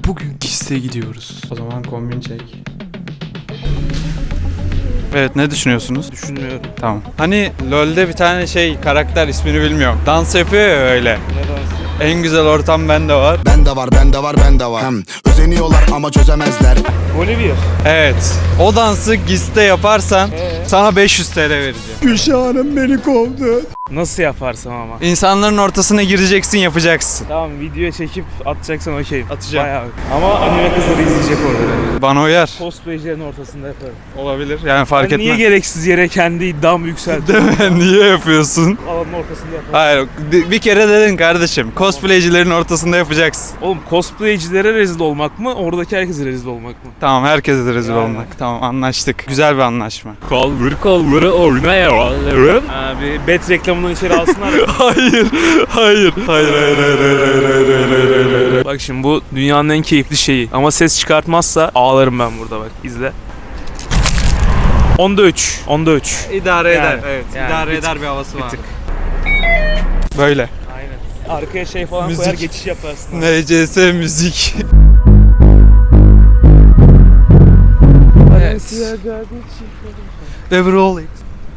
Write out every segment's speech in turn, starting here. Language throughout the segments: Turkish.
bugün Gis'e gidiyoruz. O zaman kombin çek. Evet, ne düşünüyorsunuz? Düşünmüyorum. Tamam. Hani LoL'de bir tane karakter, ismini bilmiyorum. Dans yapıyor ya öyle. Ne dansı? En güzel ortam bende var. Bende var, bende var, bende var. Özeniyorlar ama çözemezler. Bolivya. Evet. O dansı Gis'te yaparsan sana 500 TL vereceğim. Gülşah'ım beni kovdu. Nasıl yaparsam ama. İnsanların ortasına gireceksin, yapacaksın. Tamam, video çekip atacaksan okey. Atacağım. Bayağı. Ama anime kızları izleyecek orada. Bana uyar. Cosplaycilerin ortasında yaparım. Olabilir. Yani fark Ben etmez. niye gereksiz yere kendi iddiamı yükseltiyorum? Değil mi? Niye yapıyorsun? Alanın ortasında yaparım. Hayır, bir kere dedin kardeşim. Cosplaycilerin ortasında yapacaksın. Oğlum, cosplaycilere rezil olmak mı? Oradaki herkese rezil olmak mı? Tamam, herkese de rezil Yani. olmak. Tamam, anlaştık. Güzel bir anlaşma. Kaldır oynayalım. Abi bet reklamından içeri alsınlar. Hayır. Bak şimdi bu dünyanın en keyifli şeyi. Ama ses çıkartmazsa ağlarım ben burada, bak izle. Onda 3. İdare Yani, eder. Evet, yani idare bir eder tık, bir havası bir var. tık. Böyle. Aynen. Arkaya şey falan Müzik. koyar, geçiş yaparsın. NCS müzik. Evet. Ve rolling.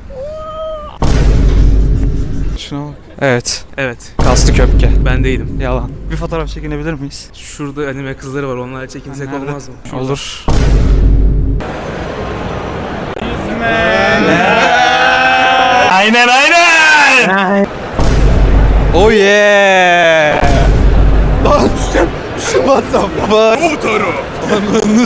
Şuna bak. Evet. Evet. Kaslı köpke. Ben değilim. Yalan. Bir fotoğraf çekinebilir miyiz? Şurada anime kızları var. Onlarla çekinsek Nerede? olmaz mı? Şurada. Olur. Aynen. Oh yeah. What the fuck? Motoru. Ananı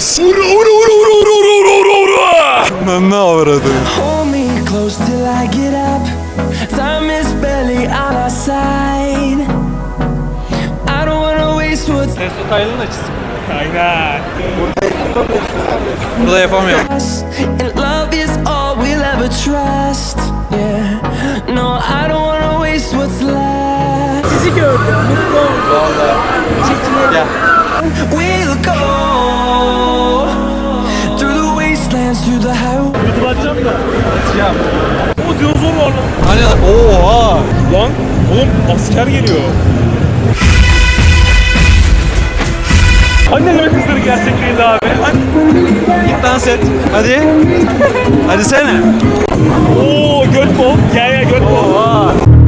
Ananı avradı. Hold me close till I get up. Time is barely on our side. I don't wanna waste what's Testo Taylan'ın açısı. Aynen. Burada yapamıyorum. us. And love is all we'll ever trust. Yeah. No, I don't wanna waste what's left. Sizi gördüm. Mutlu oldum. Gel. We'll go through the wastelands, through the highway. YouTube açacağım da. Açacağım. O dinozor var lan. Hani oha. Lan oğlum, asker geliyor. Anne anime kızları gerçek değil abi. Git dans et. Hadi. Hadi sene. Oo, göt bol. Gel göt bol. Oha.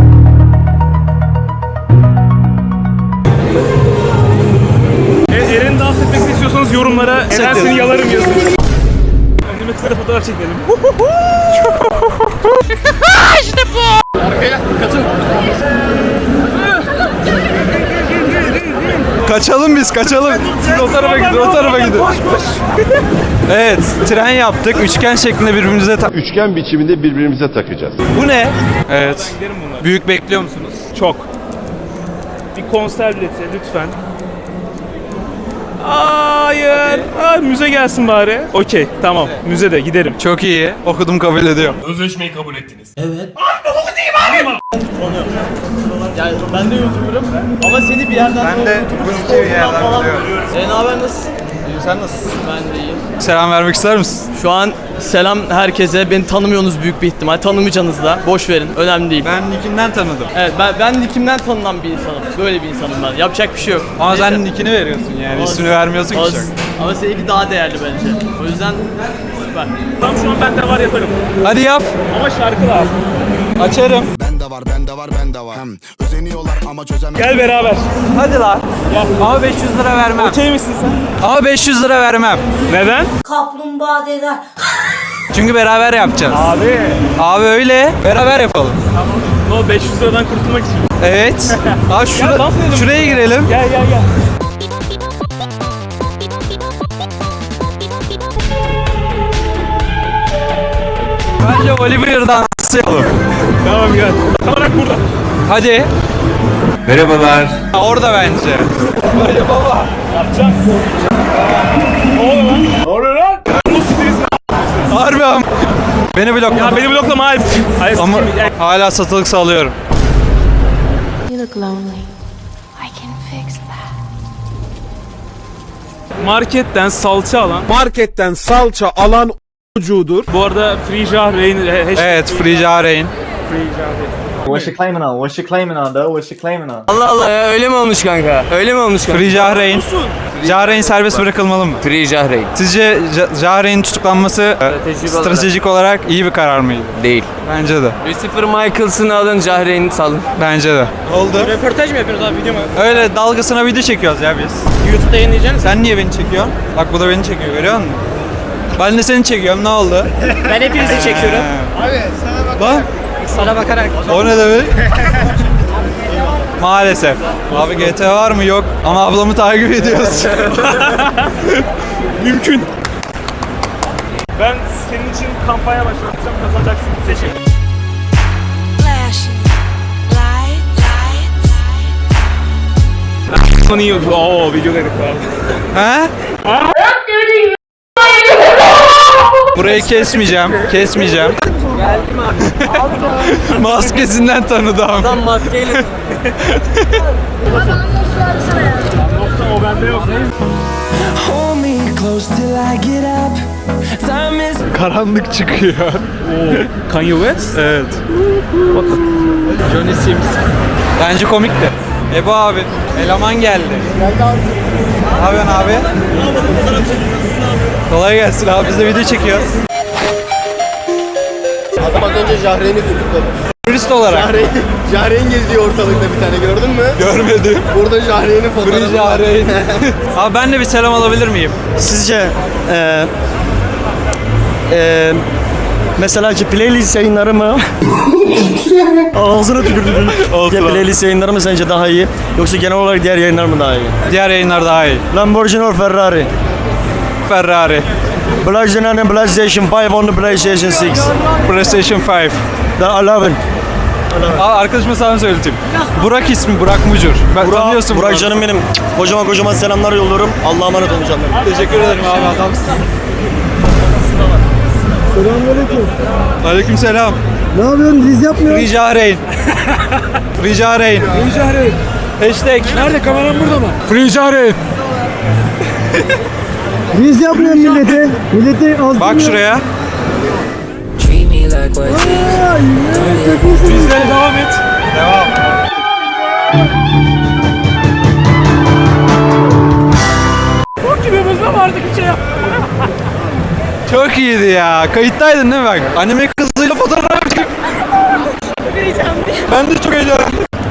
Eren'in dans etmesini istiyorsanız yorumlara Eren Çekelim. seni yalarım yazın. Anime kızlara fotoğraf çekelim. Kaçalım biz, kaçalım. Siz o tarafa gidin, o tarafa gidin. Evet, tren yaptık. Üçgen şeklinde birbirimize Üçgen biçiminde birbirimize takacağız. Bu ne? Evet. Giderim bunlar. Büyük bekliyor musunuz? Çok. Bir konser bileti lütfen. Hayır. Aa, müze gelsin bari. Okey, tamam. Müzede giderim. Çok iyi. Okudum, kabul ediyorum. Sözleşmeyi kabul ettiniz. Ben de YouTuber'ım ama seni bir yerden sonra YouTuber bir yerden falan biliyorum. görüyorum. Ne haber, nasılsın? Sen nasılsın? Ben de iyiyim. Selam vermek ister misin? Şu an selam herkese. Beni tanımıyorsunuz büyük bir ihtimal. Tanımayacaksınız da. Boş verin. Önemli değil. Ben Nick'inden tanıdım. Evet, ben Nick'imden tanınan bir insanım. Böyle bir insanım ben. Yapacak bir şey yok. Ama Neyse. sen Nick'ini veriyorsun yani. İsmini vermiyorsun ki Olsun. çok. Ama seninki daha değerli bence. O yüzden süper. Tam şu an ben de var yaparım. Hadi yap. Ama şarkı lazım. Açarım. Bende var, bende var, bende var. Özeniyorlar ama çözemezler. Gel beraber. Hadi lan. Ama 500 lira vermem. Okey misin sen? Ama 500 lira vermem. Neden? Kaplumbağa deder. Çünkü beraber yapacağız. Abi. Abi öyle. Beraber yapalım. No, 500 liradan kurtulmak için. Evet. Abi Gel, dans edelim. şuraya girelim. Gel. Bence Oliver dansı yapalım. Tamam gel. Tam olarak burada. Hadi. Merhabalar. Orada bence. Hadi baba. Yapacağım. Ne oluyor lan? Bu stres. Harbi ama. Beni bloklama. Ya beni bloklama hayır. Hayır. Ama hala satılık sağlıyorum. You look lonely. I can fix that. Marketten salça alan. Marketten salça alan ucudur. Bu arada Free Jahreyn hashtag. Evet, Free Jahreyn. Free Jahreyn. What's she claiming on? What's she claiming on though? What's she claiming on? Allah Allah ya, öyle mi olmuş kanka? Öyle mi olmuş kanka? Free Jahreyn. Jahreyn serbest bırakılmalı mı? Free Jahreyn. Sizce Jahreyn'in tutuklanması stratejik olarak iyi bir karar mıydı? Değil. Bence de. Lucifer Michaels'ını alın, Jahreyn'i salın. Bence de. Oldu. Röportaj mı yapıyoruz abi, video mu? Öyle dalgasına video çekiyoruz ya biz. YouTube'da yayınlayacaksın. Sen niye beni çekiyorsun? Bak bu da beni çekiyor, görüyor musun? Ben de seni çekiyorum, ne oldu? Ben hepinizi çekiyorum. Abi sana Sana bakarak. o ne demek? Maalesef. Abi GT var mı? Yok. Ama ablamı takip ediyoruz. Mümkün. Ben senin için kampanya başlatacağım, kazanacaksın. Teşekkür. Flashing lights. Lan iyi oldu. Oo videoları var. He? Burayı kesmeyeceğim. Kesmeyeceğim. Geldim abi. Maskesinden tanıdım. Adam maskeyle. O bende yok. Hold me close till I get up. Time is Karanlık çıkıyor. Kanye West? Evet. Johnny Sims. Bence komikti. Ebu abi, eleman geldi. Geldi abi. Ne yapıyorsun abi? Kolay gelsin abi, biz de video çekiyoruz. Adam az önce Jahreyn'i tutukladı. Turist olarak. Jahreyn geziyor ortalıkta bir tane, gördün mü? Görmedim. Burada Jahreyn'in fotoğrafı Free var. Jahreyn. Abi ben de bir selam alabilir miyim? Sizce mesela ki playlist yayınları mı? Ağzına tükürdüm. Playlist yayınları mı sence daha iyi? Yoksa genel olarak diğer yayınlar mı daha iyi? Diğer yayınlar daha iyi. Lamborghini or Ferrari? Ferrari. PlayStation 5 on the PlayStation 6. PlayStation 5. The 11. Aa, arkadaşıma sana söyleteyim. Burak ismi, Burak Mucur. Ben tanıyorsun Burak canım benim. Kocaman selamlar yolluyorum. Allah'a emanet olun canlarım. Teşekkür ederim abi, adamsın. Selamünaleyküm. Aleykümselam. Ne yapıyorsun? Diz yapmıyor. Free Jahreyn. Free Jahreyn. Jahreyn. Hashtag. Nerede? Kameram burada mı? Free Jahreyn. Diz yapmıyor millete. Millete az Bak şuraya. treat me like what Bizlere devam et. Devam. Bok gibi bozma vardı bir şey yap. Çok iyiydi ya. Kayıttaydın değil mi bak? Anime kızıyla fotoğraf çektik. Ben de çok heyecanlıyım.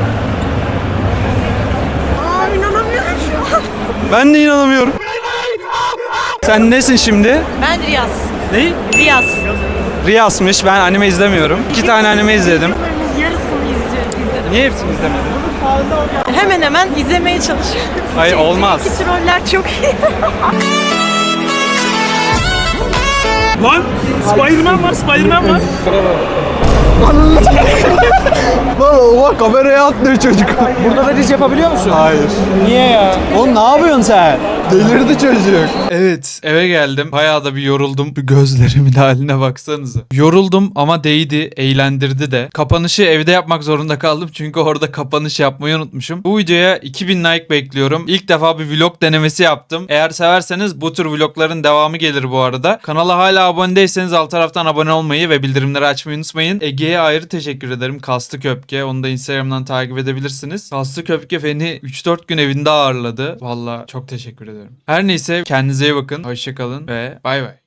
İnanamıyorum şu an. Ben de inanamıyorum. Sen nesin şimdi? Ben Riyaz. Ne? Riyaz. Riyas'mış. Ben anime izlemiyorum. 2 tane anime izledim. Yarısını izliyorum. Niye hepsini izlemedin? Hemen hemen izlemeye çalışıyorum. Hayır, olmaz. İki troller çok iyi. Lan Spider-Man var, Spider-Man var. Lan oha, kameraya atlıyor çocuk. Burada da diz yapabiliyor musun? Hayır. Niye ya? Oğlum ne yapıyorsun sen? Delirdi çocuk. Evet, eve geldim. Bayağı da bir yoruldum. Bir gözlerimin haline baksanıza. Yoruldum ama değdi, eğlendirdi de. Kapanışı evde yapmak zorunda kaldım çünkü orada kapanış yapmayı unutmuşum. Bu videoya 2000 like bekliyorum. İlk defa bir vlog denemesi yaptım. Eğer severseniz bu tür vlogların devamı gelir bu arada. Kanala hala abone değilseniz alt taraftan abone olmayı ve bildirimleri açmayı unutmayın. Ege'ye ayrı teşekkür ederim. Kaslı Köpke. Onu da Instagram'dan takip edebilirsiniz. Kaslı Köpke beni 3-4 gün evinde ağırladı. Valla çok teşekkür ederim. Her neyse, kendinize iyi bakın. Hoşçakalın ve bay bay.